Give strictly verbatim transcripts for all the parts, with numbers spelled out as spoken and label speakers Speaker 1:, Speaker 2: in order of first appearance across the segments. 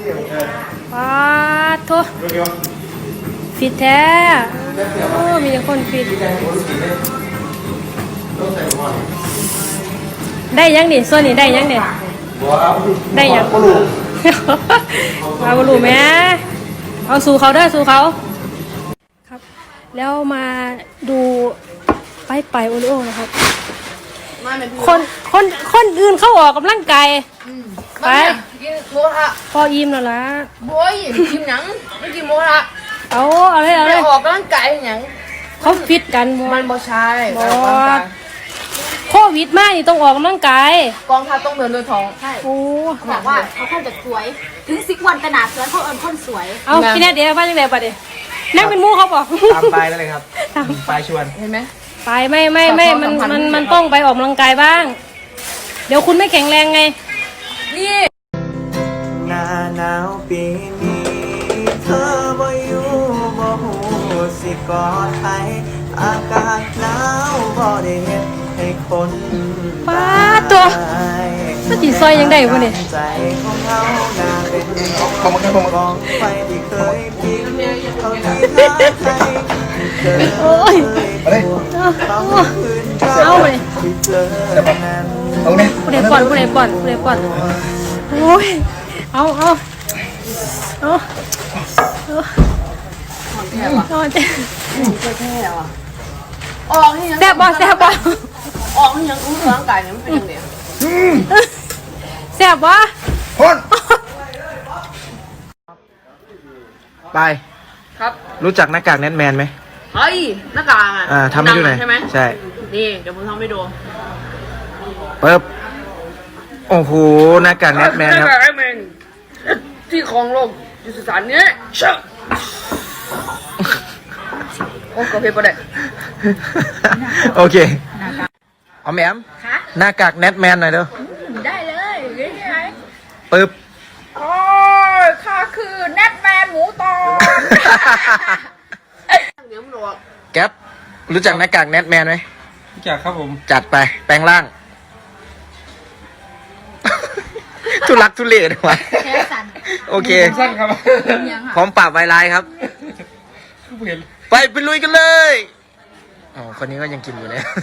Speaker 1: ปาโถฟิตแท้โอ้มีแต่คนฟิตได้ยังนี่ส่วนนี้ได้ยังเนี่ยได้ยังมาบลูแม่เอาสู่เขาเด้อสู่เขาครับแล้วมาดูไปไปโอริโอนะครับคนคนคนอื่นเข้าออกกำลังกายไปพออิ่มแล้วล่ะ
Speaker 2: โว้ยกินหนังไม่กินโมละ
Speaker 1: เอาเอาเลยเอาเลย
Speaker 2: ออกกำลังกายหนัง
Speaker 1: เขาฟิตกัน
Speaker 2: มันบ่ใช่
Speaker 1: บอโควิดมากนี่ต้องออกกำลังกาย
Speaker 2: กองทัพต้องเดินด้วยท้องใช่
Speaker 1: โอ้
Speaker 3: บอกว่าเขาคนจะสวยถึงสิบวันขนาดสวยเขาเอิญคนสวย
Speaker 1: เอาพี่แน่เดี๋ยวว่าจังไงปะเดี๋ยวนั่งเป็นมูเขาบอก
Speaker 4: ตามไปแล้วเลยครับไปชวน
Speaker 2: เห็นไหม
Speaker 1: ไปไม่ไม่ไม่มันมันมันต้องไปออกกำลังกายบ้างเดี๋ยวคุณไม่แข็งแรงไง
Speaker 2: นี่
Speaker 4: หน้าหนาวปีนี้เธอบ่อยู่บ่หูสิกอดใครอากาศหนาวบ่ได้เห็นให้คน
Speaker 1: ป้าตัวสติซอยยังได้วะเนี่ย
Speaker 4: ใจของเฮาหน้าเป็นกองไฟที่เคยพิมเขาที่หาใคร
Speaker 1: โอ้ยเอาเลย
Speaker 4: เอาเนี่ย
Speaker 1: ผู้ใดป่อนผู้ใดป่อนผู้ใดป่อนโอ้ยเอาเอาเอาเอา
Speaker 2: แค่ว่ะ
Speaker 1: แค่
Speaker 2: แค่ว่ะออกให้ยัง
Speaker 1: แซ่บบ่แซ่บบ่
Speaker 2: ออกให้ยังรู้ร่างกายเนี่ยมันเป็นยังไง
Speaker 1: แซ่บบ่
Speaker 4: คนไป
Speaker 2: ครับ
Speaker 4: รู้จักหน้ากากแนทแมนไหม
Speaker 2: เฮ้ยหน้ากาก
Speaker 4: อ่าทำให้ดูหน่อย
Speaker 2: ใช่ไหม
Speaker 4: ใช่
Speaker 2: นี่เดี๋ยวผมทำให้ดู
Speaker 4: ปึ๊บโอ้โหหน้ากากแนทแมนครับ
Speaker 2: หน้ากากแนทแมนที่ครองโลกอยู่สุสานนี้เช่โอ้ก็เพลงประเด็น
Speaker 4: โอเคเอาแหมมหน้ากากแนทแมนหน่อยเด้อ
Speaker 2: ได้เลยยังไง
Speaker 4: ปึ๊บ
Speaker 2: โอ้ยข้าคือแนทแมนหมูตอน
Speaker 4: แก๊ปรู้จักหน้ากากแนทแมนไหม
Speaker 5: รู้จักครับผม
Speaker 4: จัดไปแปลงร่างทุลักทุเลเลยวะโอเค
Speaker 5: สั้นครับ
Speaker 4: พร้อมปราบไวรัสครับไปไปลุยกันเลยอ๋อคนนี้ก็ยังกินอยู่เลย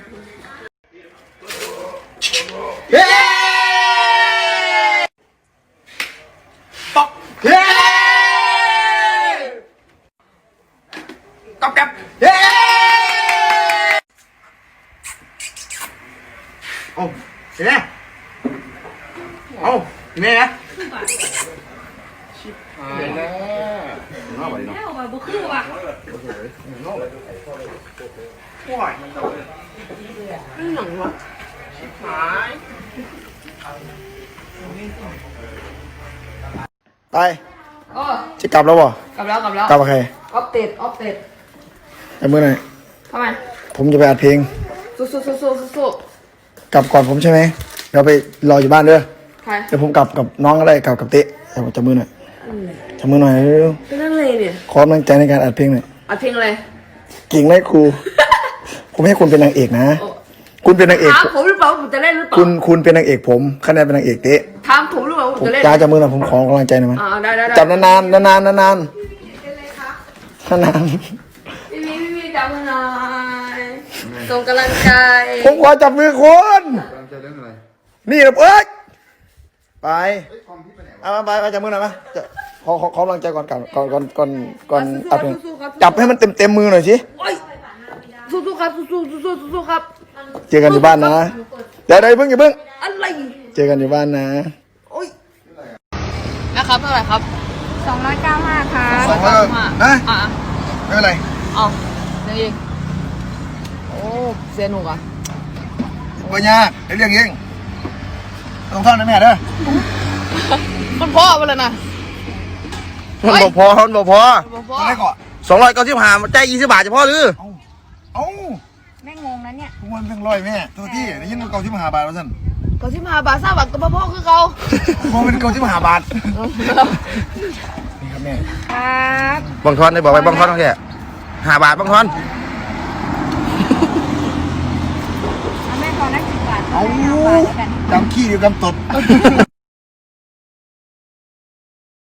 Speaker 4: เฮ้ปอกเฮ้ตบกับเฮ้โอ้เห็นไหมโอ้เห็นไหมนะชิบหายแล้วน้าไปน้า
Speaker 1: บุคือว่ะ
Speaker 4: ป่วยมันจะ
Speaker 2: นี่หนังวะ
Speaker 4: ชิบหายไปจะกลับแล้วบ่
Speaker 2: กลับแล้วกลับแล้ว
Speaker 4: กลับกับใคร
Speaker 2: ออฟเต็ดออฟเต็ด
Speaker 4: แต่เมื่อไหร่
Speaker 2: ทำไม
Speaker 4: ผมจะไปอัดเพลง
Speaker 2: สู้สู้สู้สู้สู้
Speaker 4: กลับก่อนผมใช่ไหมเราไปรออยู่บ้านเด้อ
Speaker 2: ใคร
Speaker 4: เดี๋ยวผมกลับกับน้องก็ได้กลับกับเต๊ะจับมือหน่อยจับมือหน่อยเร็ว
Speaker 2: เป็นนั่นเลยเนี่ย
Speaker 4: ขอกำลังใจในการอัดเพลงหน่อย
Speaker 2: อัดเพลงอะไร
Speaker 4: เก่งไหมครูผมให้คุณเป็นนางเอกนะคุณเป็นนางเอก
Speaker 2: ถามผมหรือเปล่าผมจะเล่นหรือเปล่า
Speaker 4: คุณคุณเป็นนางเอกผมคะแนนเป็นนางเอกเต๊ะ
Speaker 2: ถามผมหรือเปล่าผมจะเล่น
Speaker 4: จ้าจับมือหน่อยผมขอกำลังใจหน่อยมั้ย
Speaker 2: ได้ได้
Speaker 4: จับนานๆนานๆนานๆนาน
Speaker 2: ๆพี่พี่พี่จับมือหน่อยส่งกำลังใจ
Speaker 4: ผมขอจับมือคุณนี่นะเอ้ยไปเอาไปไปจับมือหน่อยมั้ยขอขอกำลังใจก่อนก่อนก่อนก่อนก่อนก่อนอัดเพลงจับให้มันเต็มเต็มมือหน่อยสิ
Speaker 2: สู้ๆครับสู้ๆสู้ๆสู้ๆครับ
Speaker 4: เจอกันอยู่บ้านนะเดี๋ยวเดี๋ยวเพิ่งอย่าเพิ่ง
Speaker 2: อะไร
Speaker 4: เจอกันอยู่บ้านนะ
Speaker 2: โอ้ยนะครับเท่าไหร่ครับ
Speaker 3: สองร้อยเก้าห้าค่ะ
Speaker 4: สองร้อยเก้าห้านะไม่เป็นไร
Speaker 2: อ๋อนี่โอ้เสียหนุกอ่ะ
Speaker 4: ปัญญาเดี๋ยวเรียกเองต้องท่อนนะแม่เด้อ
Speaker 2: มันพ่อไปเลยนะ
Speaker 4: มันบอกพอมันบอกพออะไรก่อนสองร้อยเก้าสิบห้าใจยี่สิบบาทจะพอหรือเอ้า
Speaker 3: แม่งงนะเนี่ย
Speaker 4: ทุกวันเป็นร้อยแม่ตัวที่ได้ยินว่าเก้าสิบห้าบาทว่าสั่น
Speaker 2: เก้าสิบห้าบาทสามบาทก็พ่อคือเขา
Speaker 4: พอเป็นเก้าสิบห้าบาทนี่ครับแม่
Speaker 3: ครับ
Speaker 4: บังทอนได้บอกไปบังทอนต้องแค่ห้าบาทบังทอน
Speaker 3: แม่ทอนได้สิบบาท
Speaker 4: เอาจำขี้เดียวกันตด